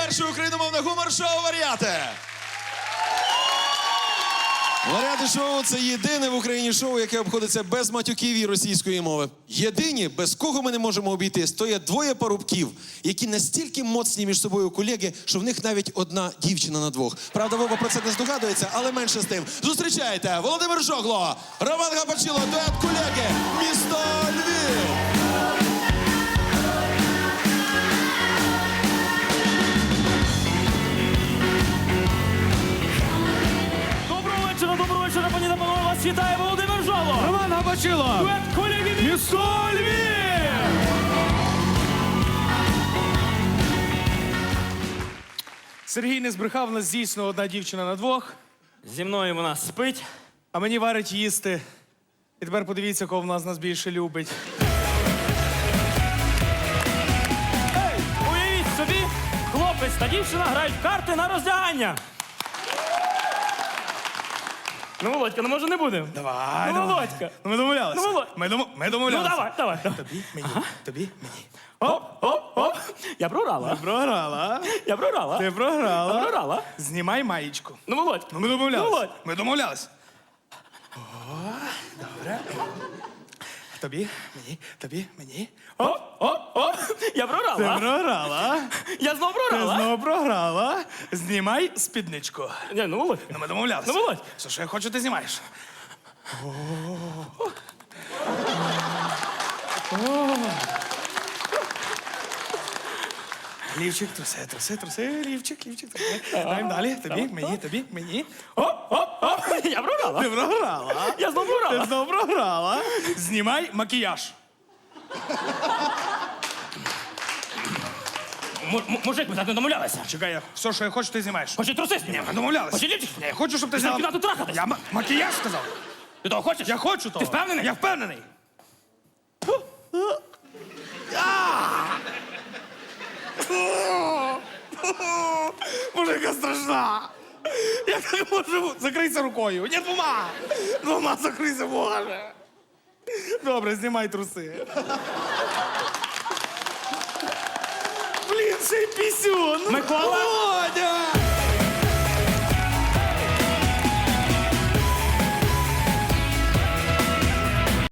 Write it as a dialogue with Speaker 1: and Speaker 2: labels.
Speaker 1: перше україномовне гумор-шоу «Варіати». «Варіати шоу» – це єдине в Україні шоу, яке обходиться без матюків і російської мови. Єдині, без кого ми не можемо обійтись, то є двоє парубків, які настільки моцні між собою колеги, що в них навіть одна дівчина на двох. Правда, Вова про це не здогадується, але менше з тим. Зустрічайте, Володимир Жогло, Роман Гапачило, дует колеги, місто Львів.
Speaker 2: Доброго вечора, пані та панове, вас вітає Володимир Жогло!
Speaker 3: Роман Гапачило!
Speaker 2: Дует колеги місто Львів!
Speaker 3: Сергій не збрехав, у нас дійсно одна дівчина на двох,
Speaker 2: Зі мною вона спить.
Speaker 3: а мені варить їсти. І тепер подивіться, кого в нас більше любить.
Speaker 2: Ей, уявіть собі, хлопець та дівчина грають в карти на роздягання. Ну, Володька, ну може не будемо?
Speaker 3: Давай,
Speaker 2: Ну,
Speaker 3: давай.
Speaker 2: Володька.
Speaker 3: Ну, ми домовлялися.
Speaker 2: Ну, Володь.
Speaker 3: Ми
Speaker 2: Ну,
Speaker 3: домовлялися.
Speaker 2: давай.
Speaker 3: Тобі, мені, тобі, мені.
Speaker 2: Оп. Я програла.
Speaker 3: Програла.
Speaker 2: Я програла.
Speaker 3: Ти програла.
Speaker 2: Я програла.
Speaker 3: Знімай маєчку.
Speaker 2: Ну, Володь.
Speaker 3: Ну, ми домовлялися.
Speaker 2: Ну, Володь.
Speaker 3: Ми домовлялися. О, добре. Тобі, мені, тобі, мені.
Speaker 2: Оп. Я
Speaker 3: Ти
Speaker 2: програла.
Speaker 3: програла.
Speaker 2: Я знов
Speaker 3: Ти
Speaker 2: програла.
Speaker 3: знову програла. Знімай спідничку.
Speaker 2: Ні, ну, Володь.
Speaker 3: Ну, ми домовлялися.
Speaker 2: Ну, Володь.
Speaker 3: Все, що я хочу, ти знімаєш. Лівчик, труси, лівчик, труси. Даємо далі. Тобі, мені.
Speaker 2: Оп. Я програла.
Speaker 3: Ти програла.
Speaker 2: Я знов
Speaker 3: Ти
Speaker 2: програла.
Speaker 3: знову програла. Знімай макіяж.
Speaker 2: Мужик, ми так не домовлялися.
Speaker 3: Чекай, все, що я хочу, ти знімаєш.
Speaker 2: Хоче труси зняти.
Speaker 3: Ми домовлялися.
Speaker 2: Хоче лівчик.
Speaker 3: Я хочу, щоб ти
Speaker 2: Ти
Speaker 3: зняла.
Speaker 2: кімнату трахатись.
Speaker 3: Я макіяж сказав.
Speaker 2: Ти того хочеш?
Speaker 3: Я хочу того.
Speaker 2: Ти впевнений?
Speaker 3: Я впевнений. Боже, яка страшна. Я так можу. Закрийся рукою. Ні, двома. Двома закрийся, Боже. Добре, знімай труси. Блін, ще й пісюн.
Speaker 2: Микола?
Speaker 3: Володя!